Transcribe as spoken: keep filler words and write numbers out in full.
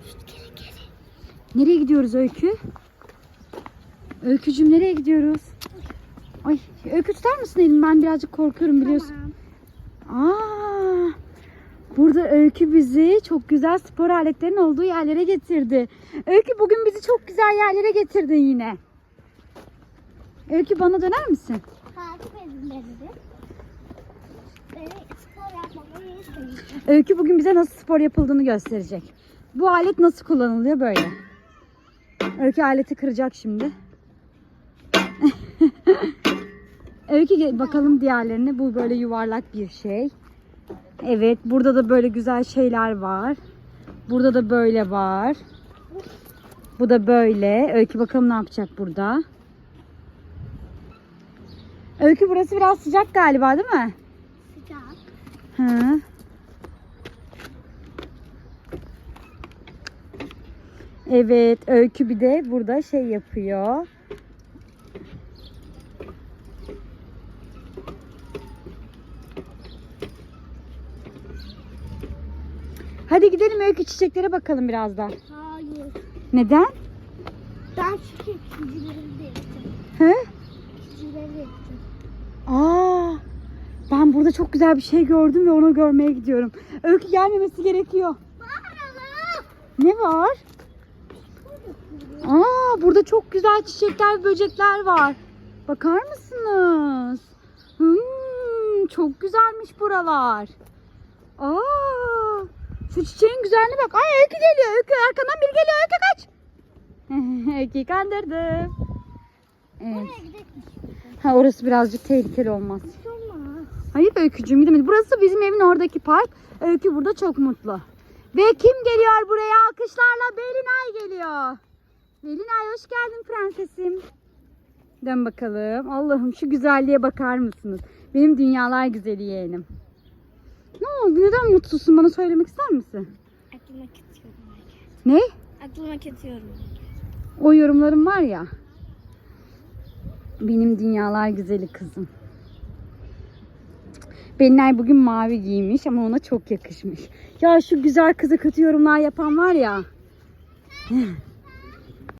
Nereye gidiyoruz Öykü? Öykücüğüm nereye gidiyoruz? Ay Öykü tutar mısın elimi? Ben birazcık korkuyorum biliyorsun. Tamam. Aa, burada Öykü bizi çok güzel spor aletlerinin olduğu yerlere getirdi. Öykü bugün bizi çok güzel yerlere getirdin yine. Öykü bana döner misin? Takip edin beni. Beni spor yapmamı istedim. Öykü bugün bize nasıl spor yapıldığını gösterecek. Bu alet nasıl kullanılıyor böyle. Öykü aleti kıracak şimdi. Öykü bakalım diğerlerine. Bu böyle yuvarlak bir şey. Evet, burada da böyle güzel şeyler var. Burada da böyle var. Bu da böyle. Öykü bakalım ne yapacak burada. Öykü burası biraz sıcak galiba değil mi? Sıcak. Hı. Evet, Öykü bir de burada şey yapıyor. Hadi gidelim Öykü, çiçeklere bakalım biraz da. Hayır. Neden? Ben çünkü ikincileri de yapacağım. He? İkincileri de yapacağım. Aa, ben burada çok güzel bir şey gördüm ve onu görmeye gidiyorum. Öykü gelmemesi gerekiyor. Ne var? Aa, burada çok güzel çiçekler, böcekler var. Bakar mısınız? Hmm, çok güzelmiş buralar. Aa, şu çiçeğin güzelliğine bak. Ay Öykü geliyor. Öykü arkandan biri geliyor. Öykü kaç. Öykü'yü kandırdım. Evet. Oraya gidelim. Ha, orası birazcık tehlikeli olmaz. Hiç olmaz. Hayır Öykücüğüm gidemedik. Burası bizim evin oradaki park. Öykü burada çok mutlu. Ve kim geliyor buraya? Alkışlarla Belinay geliyor. Belinay hoş geldin prensesim. Dön bakalım. Allah'ım şu güzelliğe bakar mısınız? Benim dünyalar güzeli yeğenim. Ne oldu? Neden mutsuzsun? Bana söylemek ister misin? Aklıma kesiyorum. Ne? Aklıma kesiyorum. O yorumlarım var ya. Benim dünyalar güzeli kızım. Belinay bugün mavi giymiş ama ona çok yakışmış. Ya şu güzel kıza kötü yorumlar yapan var ya.